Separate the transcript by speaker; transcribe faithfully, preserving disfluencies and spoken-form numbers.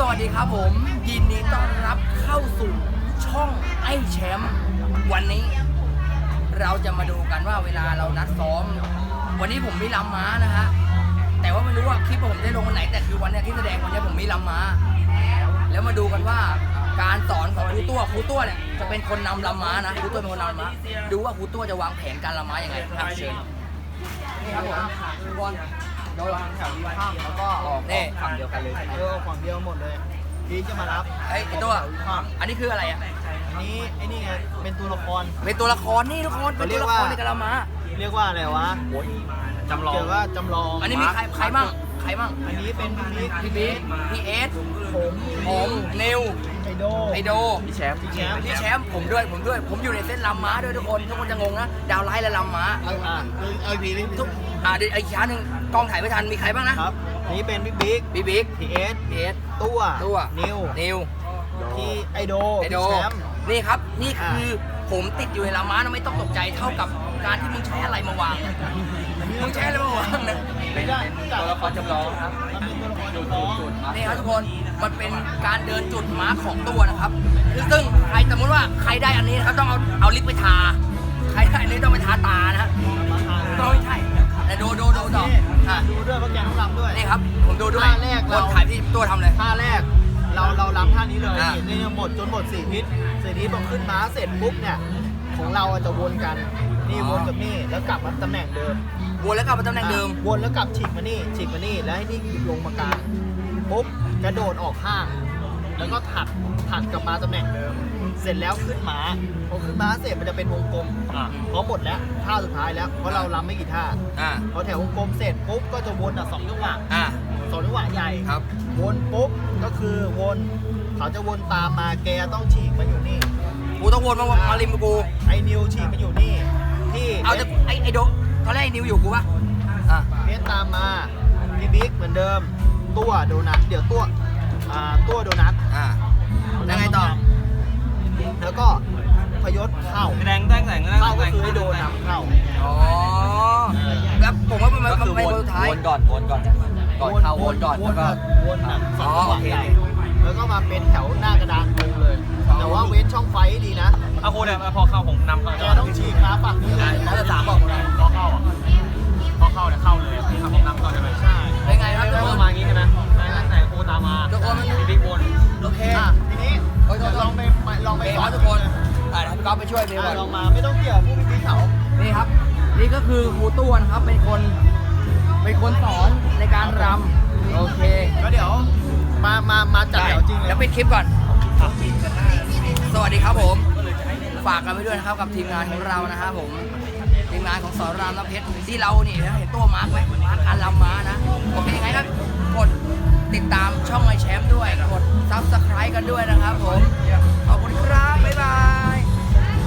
Speaker 1: วัสดีครับผมยินดีต้อนรับเข้าสู่ช่องไอ้แชมป์วันนี้เราจะมาดูกันว่าเวลาเรานัดซ้อมวันนี้ผมมีลำม้านะฮะแต่ว่าไม่รู้ว่าคลิปผมได้ลงวันไหนแต่คือวันนี้ที่แสดงวันนี้ผมมีลำม้าแล้วมาดูกันว่าการสอนของครูตัวครูตัวเนี่ยจะเป็นคนนำลำม้านะครูตัวเป็นคนนำลำม้าดูว่าครูตัวจะวางแผนการลำม้ายังไงครับเชิญนี่ครับผมบอลโดนแถวนี้ข้ามแล้วก็ออกนี่ฝั่งเดียวกันเลยใช่ไหม
Speaker 2: เออฝั่งเดียวหมดเลยพีจะมารับ
Speaker 1: ไอ้ไอ้ตัวอันนี้คืออะไรอ่ะ
Speaker 2: อันนี้ไอ้นี่ไงเป็นตัวละคร
Speaker 1: เป็นตัวละครนี่ทุกคนเป็นตัวละครในกะละมา
Speaker 2: เรียกว่าอะไรวะจำลองเกี่ยวว่าจำลอง
Speaker 1: อันนี้มีใครใครมั่งใครมั่ง
Speaker 2: อันนี้เป็นพี่
Speaker 1: พี่บิ๊กพี่เอส
Speaker 2: ผม
Speaker 1: ผมนิว
Speaker 2: ไอโด
Speaker 1: ไอโด
Speaker 2: พี่แชมป์พี่แชมป์
Speaker 1: พี่แชมป์ผมด้วยผมด้วยผมอยู่ในเส้นลำม้าด้วยทุกคนทุกคนจะงงนะดาวไลท์และลำม้า
Speaker 2: เอาอ่ะเอาพีนี่
Speaker 1: ทุกอ่าเดี๋ยวอีกชั้นหนึ่งกองถ่ายไม่ทันมีใครบ้างนะครับ
Speaker 2: นี่เป็นพี่บิ๊ก
Speaker 1: พี่บิ๊ก
Speaker 2: พี่เอส
Speaker 1: พี่เอส
Speaker 2: ตัว
Speaker 1: ตัว
Speaker 2: นิว
Speaker 1: นิว
Speaker 2: พี่ไอโด
Speaker 1: ไอโด
Speaker 2: พี่แชมป์
Speaker 1: นี่ครับนี่คือผมติดอยู่ในลำม้านะไม่ต้องตกใจเท่ากับการที่มึงใช้อะไรมาวางมึงใช้อะไรมาวางนะ
Speaker 2: ไม่ได้ตัวละครจำลอง
Speaker 1: ครับ
Speaker 2: มันเป็นตัวละครจำลอง
Speaker 1: นี่ครับทุกคนมันเป็นการเดินจุดมาร์คของตัวนะครับซึ่งใครสมมติว่าใครได้อันนี้นะครับต้องเอาเอาลิปไปทาใครได้อันนี้ต้องไปทาตานะฮะต้องไม่ใช่แต่ดูดูดูต่ออ่ะ
Speaker 2: ดูด้วยเพราะแกต้องรำด้วย
Speaker 1: นี่ครับผมดูด้วย
Speaker 2: ท่าแรก
Speaker 1: ค
Speaker 2: เรา
Speaker 1: นถ่ายที่ตัวทำเลย
Speaker 2: ท่าแรกเราเรารำท่านี้เลย
Speaker 1: อ่ะ
Speaker 2: นี่หมดจนหมดสี่ทิศสี่ทิศพอขึ้นม้าเสร็จปุ๊บเนี่ยของเราจะวนกันนี่วนกับนี่แล้วกลับมาตำแหน่งเดิม
Speaker 1: วนแล้วกลับมาตำแหน่งเดิม
Speaker 2: อ่ะวนแล้วกลับฉีกมานี่ฉีกมานี่แล้วให้นี่ลงมากลางปุ๊บกระโดดออกข้าง แล้วก็ถัดถัดกลับมาตำแหน่งเดิม เสร็จแล้วขึ้นม้าพอขึ้นม้าเสร็จมันจะเป็นวงกลมเพราะหมดแล้วท่าสุดท้ายแล้วเพราะเรารำไม่กี่ท่า
Speaker 1: อ่า
Speaker 2: พอแถววงกลมเสร็จปุ๊บก็จะวนอ่ะสองจังหวะ
Speaker 1: อ่า
Speaker 2: สองจังหวะใหญ่
Speaker 1: ครับ
Speaker 2: วนปุ๊บก็คือวนเขาจะวนตามมาแกต้องฉีกมาอยู่นี่
Speaker 1: กูต้องวนมามาริมกู
Speaker 2: ไอ้นิวฉีกมาอยู่นี่ที่
Speaker 1: เอาจะไอไอโดตอนแรกไอ้นิวอยู่กูปะอ่ะ
Speaker 2: เพชรตามมาพี่บิ๊กเหมือนเดิมตัวโดนัทเดี๋ยวตัวอ่าตัวโดนัท
Speaker 1: อ่าแล้วไงต่อ
Speaker 2: แล้วก็พยศเข้า
Speaker 3: แรงแรงแรง
Speaker 2: เข้าก็คือให้โดนนำเข้า
Speaker 1: อ๋อแล้วผมว่ามันมัน
Speaker 3: ก็คือ
Speaker 1: เป็น
Speaker 3: วน
Speaker 1: คนสุดท้าย
Speaker 3: วนก่อนวนก่อนก่อนเข้าวนก่อนแล้วก็
Speaker 2: วนอ่ะสอง
Speaker 1: อ๋อ
Speaker 2: จังหวะ
Speaker 1: โอเค
Speaker 2: ใหญ่แล้วก็มาเป็นแถวหน้ากระดานตรงเลย แต่ว่าเว้นช่องไฟให้ดีนะ
Speaker 3: เอาโค้ดเนี่ยพอเข้าผมนำเข้า
Speaker 2: แกต้องฉีกมาฝั่งนี้เลย
Speaker 1: แล้วจะสามบอกเลย
Speaker 3: พอเข้าอ่ะพอเข้าเนี่ยเข้าเลยครับผมนำเข้าใช่ไหม
Speaker 2: ใช่
Speaker 1: เป็นไงครับทุก
Speaker 3: แล้ว
Speaker 1: ค
Speaker 3: ก็
Speaker 1: น
Speaker 3: มาอย่างงี้ใช่ไหมไหนไหนโค้ดตามมา
Speaker 1: ทุกคนมัน
Speaker 3: บิ๊กวน
Speaker 1: โอเค
Speaker 2: อ่ะทีนี้
Speaker 1: โอ้ยโทษโทษ
Speaker 2: ลองไปไปลองไป
Speaker 1: ไป
Speaker 2: ส
Speaker 1: ข
Speaker 2: อ
Speaker 1: อนทุกคนอ่าเดี๋ยวพี่ก๊อฟไปช่วยพี่ก่
Speaker 2: อ่ะ
Speaker 1: อน
Speaker 2: ลองมาไม่ต้องเกี่ยวผู้พิพากษา
Speaker 1: นี่ครับ นี่ก็คือครูต้วนครับ เป็นคน เป็นคนสอนในการรำโอเค
Speaker 2: ก็เดี๋ยวมามามาจัดแถวจริงเลย
Speaker 1: แล้วปิดคลิปก่อน สวัสดีครับผม ฝากกันไปด้วยนะครับกับทีมงานของเรานะครับผม ทีมงานของสอนรามน้ำเพชรที่เรานี่นะเห็นตัวมาร์กไหมมาร์กการรำม้านะ โอเคไงครับ กดติดตามช่องไอแชมป์ด้วย กดซับสไครต์กันด้วยนะครับผม ขอบคุณครับ บ๊ายบาย